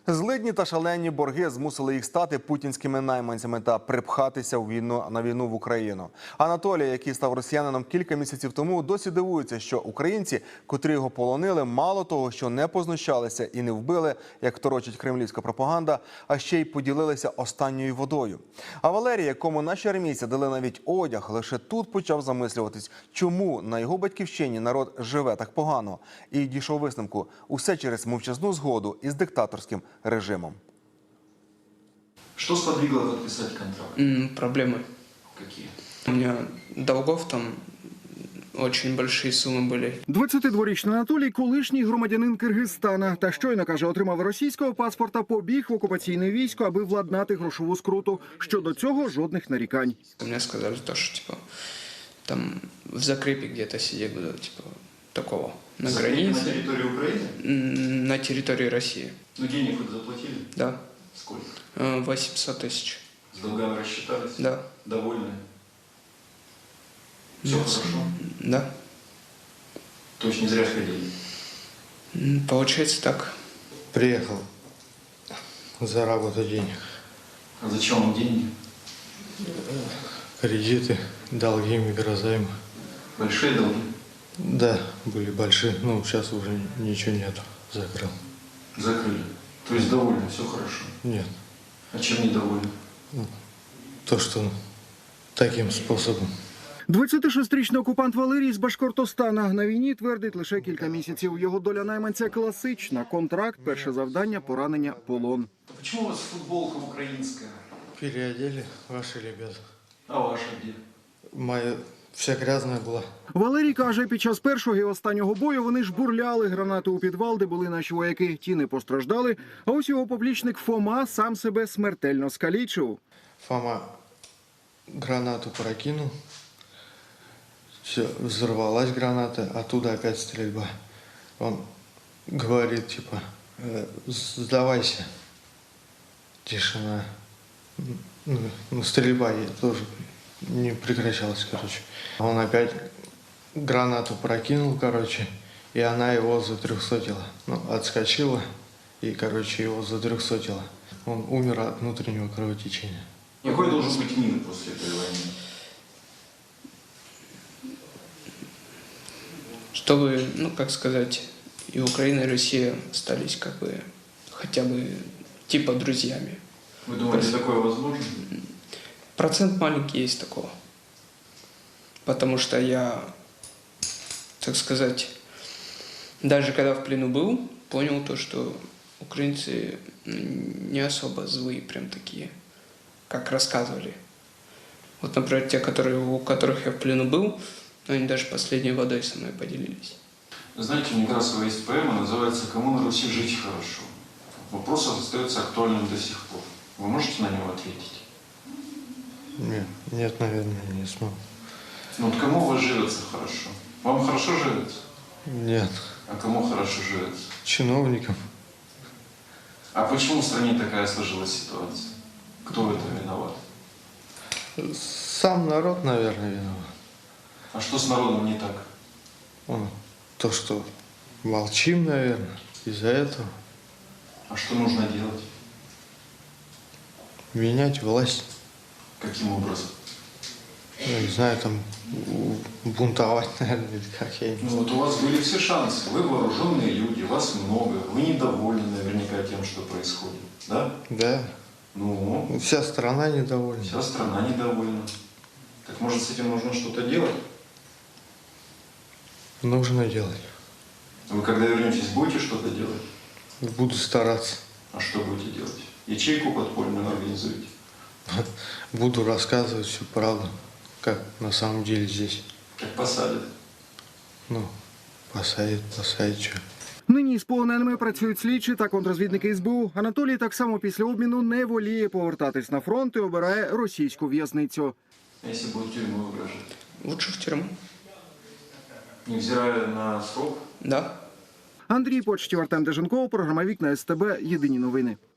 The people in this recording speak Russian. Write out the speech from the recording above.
Злидні та шалені борги змусили їх стати путінськими найманцями та припхатися на війну в Україну. Анатолій, який став росіянином кілька місяців тому, досі дивується, що українці, котрі його полонили, мало того, що не познущалися і не вбили, як торочить кремлівська пропаганда, а ще й поділилися останньою водою. А Валерій, якому наші армійці дали навіть одяг, лише тут почав замислюватись, чому на його батьківщині народ живе так погано. І дійшов висновку – усе через мовчазну згоду із диктаторським режимом. Что сподвигло подписать контракт? Проблемы. Какие? У меня долгов там очень большие суммы были. 22-річний Анатолій – колишній громадянин Киргизстана. Та щойно, каже, отримав російського паспорта, побіг в окупаційне військо, аби владнати грошову скруту. Щодо цього жодних нарікань. Мне сказали то, что типа там в закрепе где-то сидеть буду, типа такого. На границе. На территории Украины? На территории России. Ну, денег хоть заплатили? Да. Сколько? 800 тысяч. С долгами рассчитались? Да. Довольны? Все хорошо? Да. То есть не зря ходили? Получается так. Приехал заработать денег. А зачем вам деньги? Кредиты, долги, микрозаймы. Большие долги? Да, были большие. Ну, сейчас уже ничего нету. Закрыл. Закрыли. То есть довольны, все хорошо? Нет. А чем недовольны? То, что таким способом. 26-річний окупант Валерій з Башкортостана на війні твердить лише кілька місяців. Його доля найманця класична. Контракт, перше завдання, поранення, полон. А почему у вас футболка украинская? Переодели ваши ребята. А ваша где? Моя вся грязная была. Валерій каже, під час першого і останнього бою вони жбурляли гранати у підвал, де були наші вояки. Ті не постраждали, а ось його поплічник Фома сам себе смертельно скалічив. Фома гранату прокинул. Все, взорвалась граната, оттуда опять стрельба. Он говорит, типа, сдавайся. Тишина. Ну, стрельба тоже не прекращалась, короче. Он опять гранату прокинул, короче, и она его затрехсотила. Ну, отскочила и, короче, его затрехсотила. Он умер от внутреннего кровотечения. Какой должен быть мир после этой войны? Чтобы, ну как сказать, и Украина, и Россия остались как бы хотя бы типа друзьями. Вы думаете, такое возможно? Процент маленький есть такого. Потому что я, так сказать, даже когда в плену был, понял то, что украинцы не особо злые, прям такие, как рассказывали. Вот, например, те, у которых я в плену был, они даже последней водой со мной поделились. Знаете, у Некрасова есть поэма, называется «Кому на Руси жить хорошо?». Вопрос остается актуальным до сих пор. Вы можете на него ответить? Нет, наверное, не смогу. Ну вот кому у вас живется хорошо? Вам хорошо живется? Нет. А кому хорошо живется? Чиновникам. А почему в стране такая сложилась ситуация? Кто в этом виноват? Сам народ, наверное, виноват. А что с народом не так? То, что молчим, наверное, из-за этого. А что нужно делать? Менять власть. Каким образом? Ну, не знаю, там бунтовать, наверное, или как я не Ну знаю. вот у вас были все шансы. Вы вооруженные люди, вас много. Вы недовольны наверняка тем, что происходит. Да? Да. Ну, Вся страна недовольна. вся страна недовольна. Так может с этим нужно что-то делать? Нужно делать. Вы когда вернетесь, будете что-то делать? Буду стараться. А что будете делать? Ячейку подпольную организуете? Буду рассказывать всю правду, как на самом деле здесь. Как посадят? Ну, посадят, что. Нині з полоненими працюють слідчі та контррозвідники СБУ. Анатолій так само після обміну не воліє повертатись на фронт і обирає російську в'язницю. А если будет тюрьму угрожать? Лучше в тюрьму. Невзирая на срок? Да. Андрій Почтів, Артем Деженков, програма «Вікна СТБ». Єдині новини.